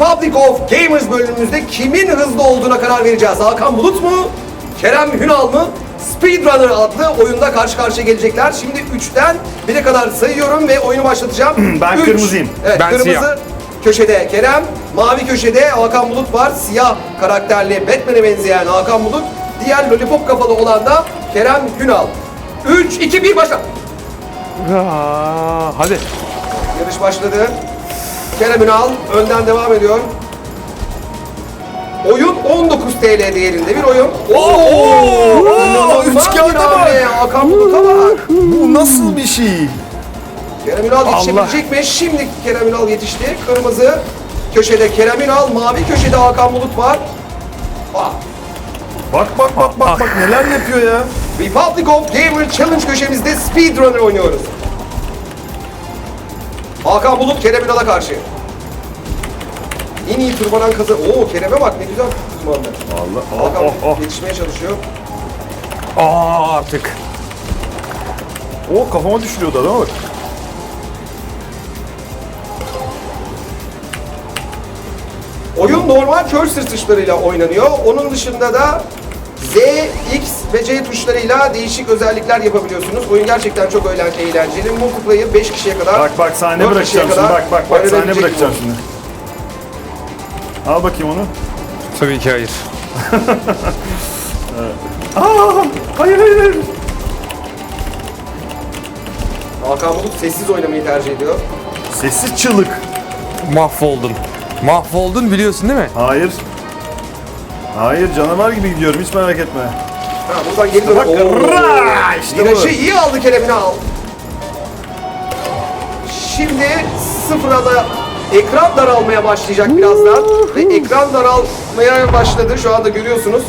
Republic of Gamers bölümümüzde kimin hızlı olduğuna karar vereceğiz. Hakan Bulut mu? Kerem Hünal mı? Speedrunner adlı oyunda karşı karşıya gelecekler. Şimdi 3'ten 1'e kadar sayıyorum ve oyunu başlatacağım. Ben Üç. kırmızıyım. Evet, Ben kırmızı siyah. köşede Kerem, mavi köşede Hakan Bulut var. Siyah karakterli Batman'e benzeyen Hakan Bulut. Diğer lollipop kafalı olan da Kerem Hünal. 3, 2, 1 başla. Hadi. Yarış başladı. Kerem Ünal önden devam ediyor. Oyun 19 TL değerinde bir oyun. İnanılmaz üç kağıda bir hamle. Hakan Bulut'a bak. Bu nasıl bir şey? Kerem Ünal yetişebilecek mi? Şimdi Kerem Ünal yetişti. Kırmızı köşede Kerem Ünal, mavi köşede Hakan Bulut var. Bak neler yapıyor ya. Republic of Gamer Challenge köşemizde Speedrunner oynuyoruz. Hakan Bulut Kerem Ünal'a karşı. En iyi tırmanan kazan. Oo Kerem'e bak ne güzel tırmandı. Allah. Hakan yetişmeye çalışıyor. Artık. Kafama düşürüyordu adama bak. Oyun normal cursor tuşlarıyla oynanıyor. Onun dışında da Z, X ve C tuşlarıyla değişik özellikler yapabiliyorsunuz. Oyun gerçekten çok eğlenceli. Multiplayer 5 kişiye kadar. Bak sahne 4 kişiye bırakacağım şimdi. kadar Bak sahne oynanabilecek bırakacağım bir şimdi. Al bakayım onu. Tabii ki hayır. Hayır. Hakan Bulut sessiz oynamayı tercih ediyor. Sessiz çığlık. Mahvoldun. Mahvoldun biliyorsun değil mi? Hayır canavar gibi gidiyorum hiç merak etme. Ha, buradan geri dön. Bak, ra, işte bu. Virajı iyi aldı Kerem Ünal. Şimdi sıfıra da ekran daralmaya başlayacak birazdan. Ve ekran daralmaya başladı. Şu anda görüyorsunuz.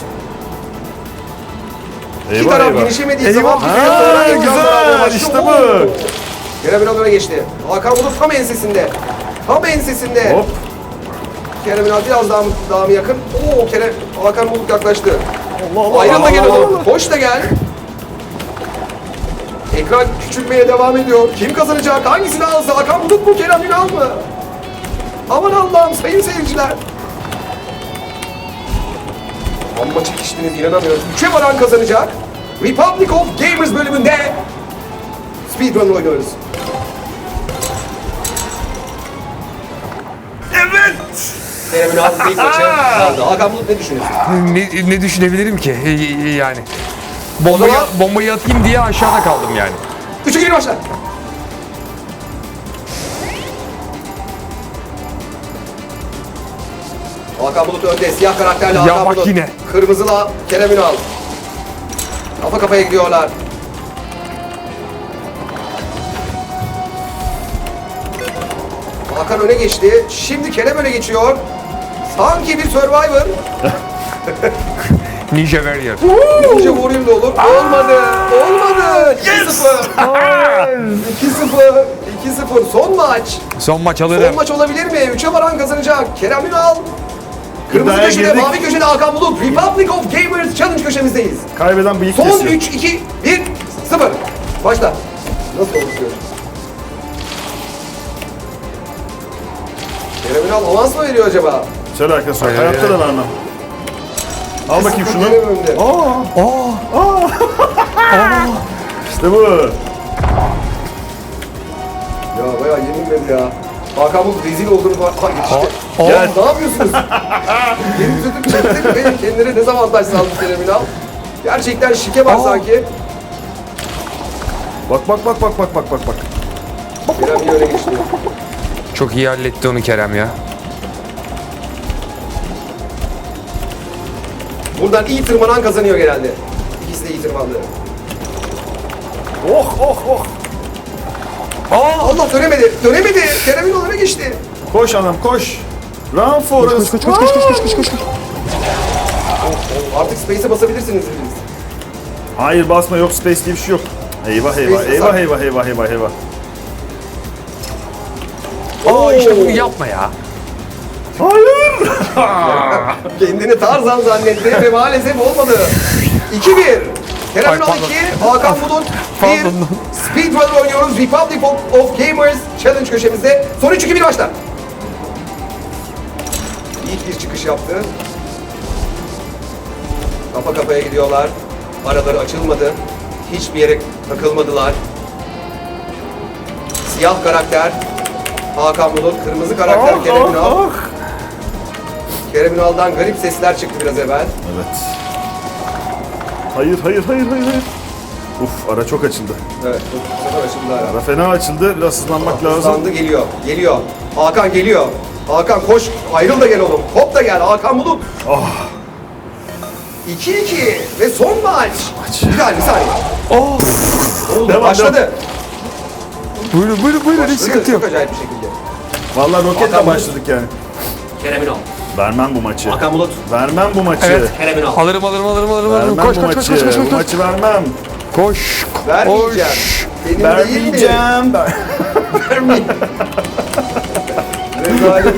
İki taraf genişlemediği zaman bir süre sonra ekran daralmaya başlıyor. işte bu. Oo! Kerem Ünal öne geçti. Hakan Bulut tam ensesinde. Tam ensesinde. Hop. Kerem Ünal biraz daha mı yakın? Hakan Bulut yaklaştı. Allah. Ayrılma gel oğlum. Koş da gel. Ekran küçülmeye devam ediyor. Kim kazanacak? Hangisini alsa? Hakan Bulut mu? Kerem Ünal mı? Aman Allah'ım sayın seyirciler. Amma çekiştiniz inanamıyorum. 3'e varan kazanacak. Republic of Gamers bölümünde Speedrun oynuyoruz. Evet. Kerem Ünal ilk maçı aldı. Hakan Bulut ne düşünüyorsun? Ne düşünebilirim ki yani? O zaman Bombayı atayım diye aşağıda kaldım yani. 3'e geri başla. Hakan Bulut önde. Siyah karakterli Ya Hakan bak Bulut. yine. Kırmızıla Kerem Ünal. Kafa kafaya gidiyorlar. Hakan öne geçti. Şimdi Kerem öne geçiyor. Sanki bir Survivor. Ninja Warrior. Ninja Warrior da olur. Olmadı. Olmadı. 2-0. 2-0. Son maç. Son maç Son alırım. maç olabilir mi? 3'e varan kazanacak. Kerem Ünal. Kırmızı İddiaya köşede, girdik. mavi köşede Hakan Bulut. Republic of Gamers Challenge köşemizdeyiz. Kaybeden bıyık Son kesiyor. 3, 2, 1, 0. Başla. Nasıl oluşuyor? Kerem Ünal avans mı veriyor acaba? Şöyle arkadaşlar Hayır, hayatta hayır. da vermem. Al bakayım şunu. Kerem önde. İşte bu. Ya bayağı yenilmedi ya. Hakan Bulut rezil olduğunu falan yetişti. Gel. Ya ne yapıyorsunuz? Geri tutup çektik ve kendine dezavantaj sağladı Kerem Ünal. Gerçekten şike var sanki. Bak. Kerem iyi öne geçti. Çok iyi halletti onu Kerem ya. Buradan iyi tırmanan kazanıyor genelde. İkisi de iyi tırmandı. Oh. Allah dönemedi. Dönemedi. Kerem Ünal öne geçti. Koş anam koş. Run Forrest. Koş. Artık space'e basabilirsiniz dediniz. Hayır basma yok space diye bir şey yok. Eyvah. İşte bunu yapma ya. Hayır. Kendini Tarzan zannetti ve maalesef olmadı. 2-1. Kerem Ay, Ünal pardon. 2, Hakan Bulut 1. Pardon. Speedrunner oynuyoruz. Republic of Gamers Challenge köşemizde. Son 3-2-1 başla. ilk bir çıkış yaptı. Kafa kafaya gidiyorlar. Araları açılmadı. Hiçbir yere takılmadılar. Siyah karakter Hakan Bulut, kırmızı karakter Kerem Ünal. Kerem Ünal'dan garip sesler çıktı biraz evvel. Evet. Hayır. Uf, ara çok açıldı. Evet, bu sefer açıldı ara. Ara fena açıldı. Biraz hızlanmak lazım. Hızlandı, geliyor. Hakan geliyor. Hakan koş, ayrıl da gel oğlum. Hop da gel Hakan Bulut. 2-2 ve son maç. Bir saniye. Oldu, Devam, başladı. Buyurun hiç sıkıntı yok. Çok acayip bir şekilde. Vallahi roketle Hakan Bulut. başladık yani. Kerem Ünal. Vermem bu maçı. Hakan Bulut. Vermem bu maçı. Evet. Kerem Ünal. Alırım. Vermem Koş. bu maçı. Bu maçı vermem. Koş. Vermeyeceğim. Benim değil mi? Vermeyeceğim. Vermeyeceğim. Rezalet.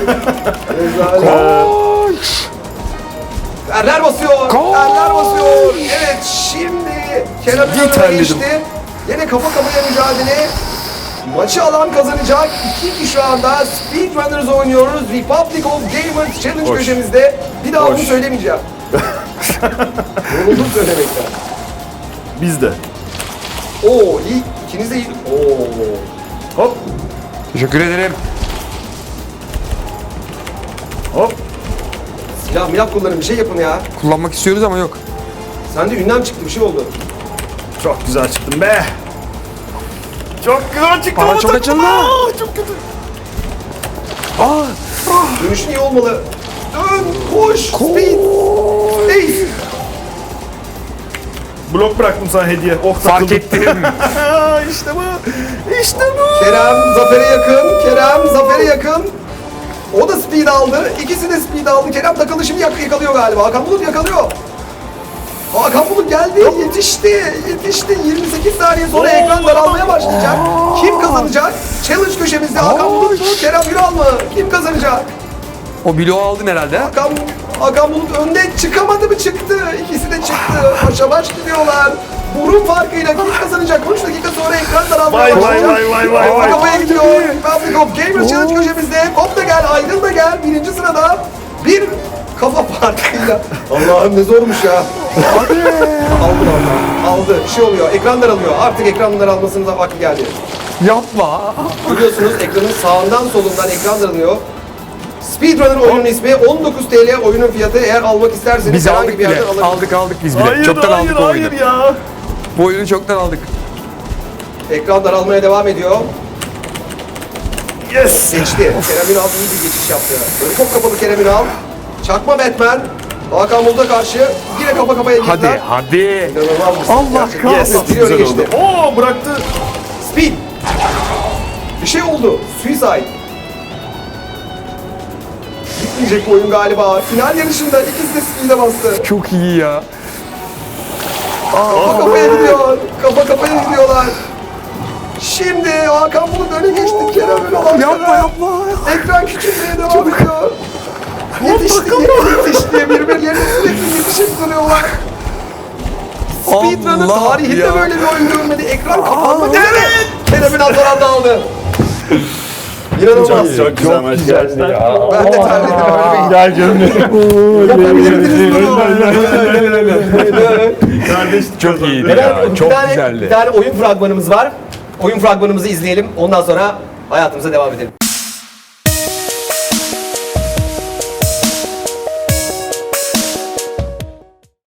Koş. Erler basıyor. Gol! Erler basıyor. Evet, şimdi Kerem Ünal'a terledim. geçti. Yine kafa kafaya mücadele. Maçı alan kazanacak. 2-2 şu anda. Speedrunners oynuyoruz. Republic of Gamers Challenge Hoş. köşemizde. Bir daha Hoş. bunu söylemeyeceğim. Yoruldum söylemekten. Biz de. Oo, iyi. İkiniz de iyi. Oo. Hop. Teşekkür ederim. Hop. Silah milah kullanın, bir şey yapın ya. Kullanmak istiyoruz ama yok. Sende ünlem çıktı, bir şey oldu. Çok güzel çıktım be. Çok güzel çıktım. Para ama çok takım. açıldı. Çok kötü. Dönüşün iyi olmalı. Dön, koş, speed, space. Blok bıraktım sana hediye. Oh Fark takıldım. ettim. İşte bu. İşte bu. Kerem Zafer'e yakın. O da speed aldı. İkisi de speed aldı. Kerem takılı şimdi yakalıyor galiba. Hakan Bulut yakalıyor. Hakan Bulut geldi. Yetişti. 28 saniye sonra ekran daralmaya başlayacak. Kim kazanacak? Challenge köşemizde Hakan Bulut mu? Kerem Ünal mı? Kim kazanacak? O bloğu aldın herhalde. Hakan Bulut önde çıkamadı mı? Çıktı. İkisi de çıktı. Başa baş gidiyorlar. Burun farkıyla kim kazanacak? 13 dakika sonra ekran daralmaya Vay başlayacak. vay. Kafa kafaya gidiyor. Republic of Gamers Challenge köşemizde. Hop da gel, ayrıl da gel. Birinci sırada bir kafa farkıyla. Allah'ım ne zormuş ya. Aldı. Bir şey oluyor. Ekran daralıyor. Artık ekran daralmasının da vakti geldi. Yapma. Görüyorsunuz ekranın sağından solundan ekran daralıyor. Speedrunner oyunun ismi, 19 TL oyunun fiyatı. Eğer almak isterseniz Biz herhangi aldık bir bile. yerden alabilirsiniz. Aldık biz bile. Hayır Çoktan aldık bu oyunu. ya. Bu oyunu çoktan aldık. Ekran daralmaya devam ediyor. Yes. Geçti. Kerem Ünal iyi bir geçiş yaptı. Böyle çok kapalı Kerem Ünal. Çakma Batman. Hakan Bulut'a karşı yine kafa kafaya girdiler. Hadi. İnanılmaz bir ses. Allah Gerçekten. Yes. Biri öne Güzel geçti. oldu. Oo bıraktı. Speed. Bir şey oldu. Suicide. Gitmeyecek bu oyun galiba. Final yarışında ikisi de speed'e bastı. Çok iyi ya. Kafa kafaya gidiyor. Kafa kafaya gidiyorlar. Şimdi Hakan Bulut öne geçti. Kerem Ünal Yapma. Ekran küçülmeye devam ediyor. Yetişti. Birbirlerine sürekli yetişip duruyorlar. Speedrunner Allah tarihinde ya. böyle bir oyun görmedi. Ekran kapanmadı. Evet. Kerem Ünal son anda aldı. İnanılmaz. Çok güzel maç gerçekten. Ben de terledim. Ölmeyin. Gel gömleği. Yapabilirdiniz bunu. Kardeş Çok iyiydi Bir ya. Çok tane güzeldi. oyun fragmanımız var. Oyun fragmanımızı izleyelim. Ondan sonra hayatımıza devam edelim.